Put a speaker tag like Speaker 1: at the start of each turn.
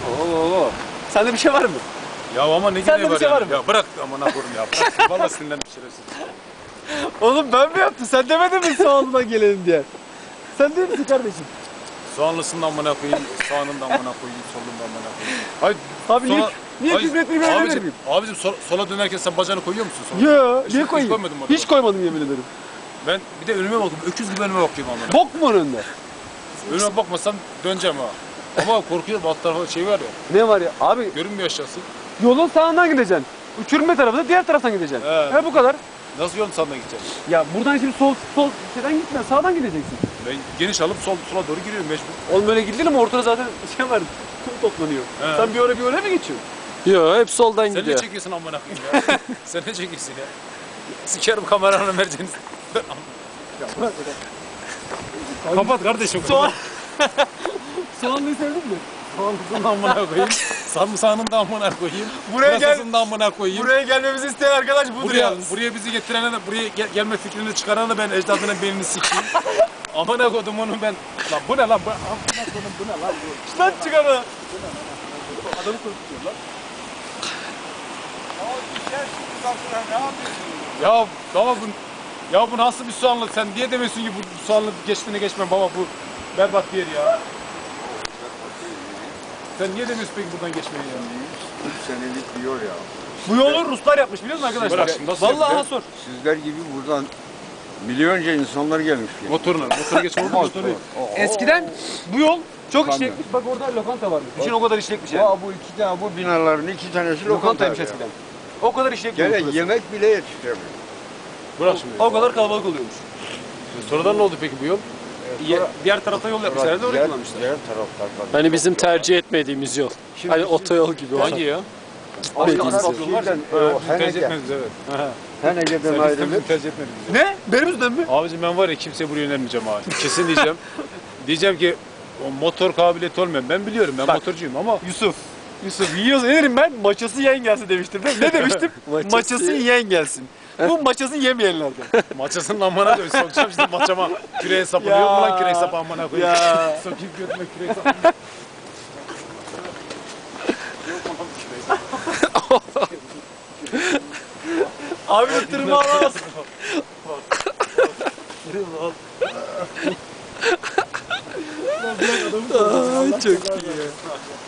Speaker 1: Oo. Sende bir şey var mı?
Speaker 2: Ya ama ne
Speaker 1: Sende
Speaker 2: gereği
Speaker 1: bir
Speaker 2: var
Speaker 1: şey var
Speaker 2: yani?
Speaker 1: mı?
Speaker 2: Ya bırak amına koyayım ya. Bırak. Vallahi sinirlendim şerefsiz.
Speaker 1: Oğlum ben mi yaptım? Sen demedin mi soğanından gelelim diye? Sen değil misin kardeşim?
Speaker 2: Soğanlısının amına koyayım, sağının da amına koyayım, solun da amına koyayım. Hayır.
Speaker 1: Abi
Speaker 2: sola-
Speaker 1: niye
Speaker 2: Hayır,
Speaker 1: küfretmeyi ben
Speaker 2: abicim,
Speaker 1: miyim?
Speaker 2: abicim sola dönerken sen bacağını koyuyor musun sola?
Speaker 1: Yo,
Speaker 2: Hiç-
Speaker 1: niye
Speaker 2: hiç
Speaker 1: koyayım?
Speaker 2: koymadım orada.
Speaker 1: Hiç koymadım yemin ederim.
Speaker 2: Ben bir de önüme bakıyorum. Öküz gibi önüme bakıyorum amına.
Speaker 1: Bok mu önünde?
Speaker 2: Önüme bakmasam döneceğim ha. Ama korkuyorum alt tarafa şey var ya.
Speaker 1: Ne var ya? Abi
Speaker 2: Görünmüyor aşağısı.
Speaker 1: yolun sağından gideceksin. Uçurma tarafında diğer taraftan gideceksin.
Speaker 2: He.
Speaker 1: Bu kadar.
Speaker 2: Nasıl yolun sağına gideceğim?
Speaker 1: Ya buradan şimdi sol şeyden gitme, sağdan gideceksin.
Speaker 2: Ben geniş alıp sola doğru giriyorum mecbur.
Speaker 1: Oğlum böyle gidilir mi? Ortada zaten şey var, kum toplanıyor.
Speaker 2: He.
Speaker 1: Sen bir öyle mi geçiyorsun?
Speaker 3: Yo hep soldan
Speaker 2: Sen ne
Speaker 3: gidiyor.
Speaker 2: çekiyorsun amına koyayım ya? Sen ne çekiyorsun ya? Sikerim kameranı merceğinizi. Kapat kardeşim.
Speaker 1: Soğanlıyı sevdin mi?
Speaker 2: Soğanlısını da amına koyayım. Sarımsağının da amına koyayım.
Speaker 1: Buraya gel-
Speaker 2: Pırasasını da amına koyayım.
Speaker 1: Buraya gelmemizi isteyen arkadaş budur yalnız.
Speaker 2: Buraya bizi getirene de, buraya gelme fikrini çıkarana da ben ecdadının beynini sikeyim. Amına kodum onu ben. Lan bu ne lan? Amına kodum bu ne lan?
Speaker 1: Lan çıkar o.
Speaker 2: Adamı korkutuyor lan. Ya baba bu nasıl bir soğanlı? Sen niye demiyorsun ki bu soğanlı geçtiğine geçme baba bu berbat bir yer ya. Sen niye demiyorsun peki buradan geçmeyi ya?
Speaker 4: 3 senelik bir yol ya.
Speaker 1: Bu yolu Ruslar yapmış biliyor musun arkadaşlar?
Speaker 2: Bırak şimdi, nasıl
Speaker 1: Vallahi
Speaker 2: yapıyor?
Speaker 1: ha sor.
Speaker 4: Sizler gibi buradan milyonca insanlar gelmiş. Yani.
Speaker 2: Motoru geç oldu motoru.
Speaker 1: Eskiden bu yol çok
Speaker 4: Tabii.
Speaker 1: işlekmiş. Bak orada lokanta varmış. Düşün o kadar işlekmiş yani.
Speaker 4: Bu iki tane bu binaların iki tanesi
Speaker 1: Lokantaymış
Speaker 4: lokantaydı
Speaker 1: eskiden.
Speaker 4: ya.
Speaker 1: O kadar işlekmiş.
Speaker 4: Gene
Speaker 1: burası.
Speaker 4: yemek bile yetiştiremiyor.
Speaker 2: Bırak şimdi.
Speaker 1: O kadar kalabalık oluyormuş.
Speaker 2: Sonradan ne oldu peki bu yol?
Speaker 1: Diğer tarafta yol yapmışlar. Herhalde orayı kullanmışlar.
Speaker 4: Diğer taraflardan.
Speaker 3: Hani bizim tercih etmediğimiz yol. Hani otoyol gibi olan.
Speaker 2: Hangi ya?
Speaker 1: Başka
Speaker 3: Bildiğiniz
Speaker 1: asfalt
Speaker 3: yol.
Speaker 1: yol var ya.
Speaker 2: Tercih etmediniz evet.
Speaker 4: Henege'den ayrılıp
Speaker 2: Tercih etmediniz.
Speaker 1: Ne? Benim yüzümden mi?
Speaker 2: Abicim ben var ya kimseye buraya önermeyeceğim abi. Kesin diyeceğim. Diyeceğim ki o motor kabiliyeti olmayan. Ben biliyorum ben
Speaker 1: Bak.
Speaker 2: motorcuyum ama
Speaker 1: Yusuf yiyorsa ne derim ben? Maçası yiyen gelsin demiştim. Ne demiştim?
Speaker 3: Maçası-
Speaker 1: Maçası yiyen gelsin. Bu maçası yemeyenlerden.
Speaker 2: maçasının amına koyayım. Sokacağım şimdi maçama küreğe sapını.
Speaker 1: Ya.
Speaker 2: Yok mu lan kürek sapı amına koyayım.
Speaker 1: Ya.
Speaker 2: Sokayım götüme kürek sapını.
Speaker 1: Abi ıttırımı alamaz.
Speaker 3: Ay çok iyi ya.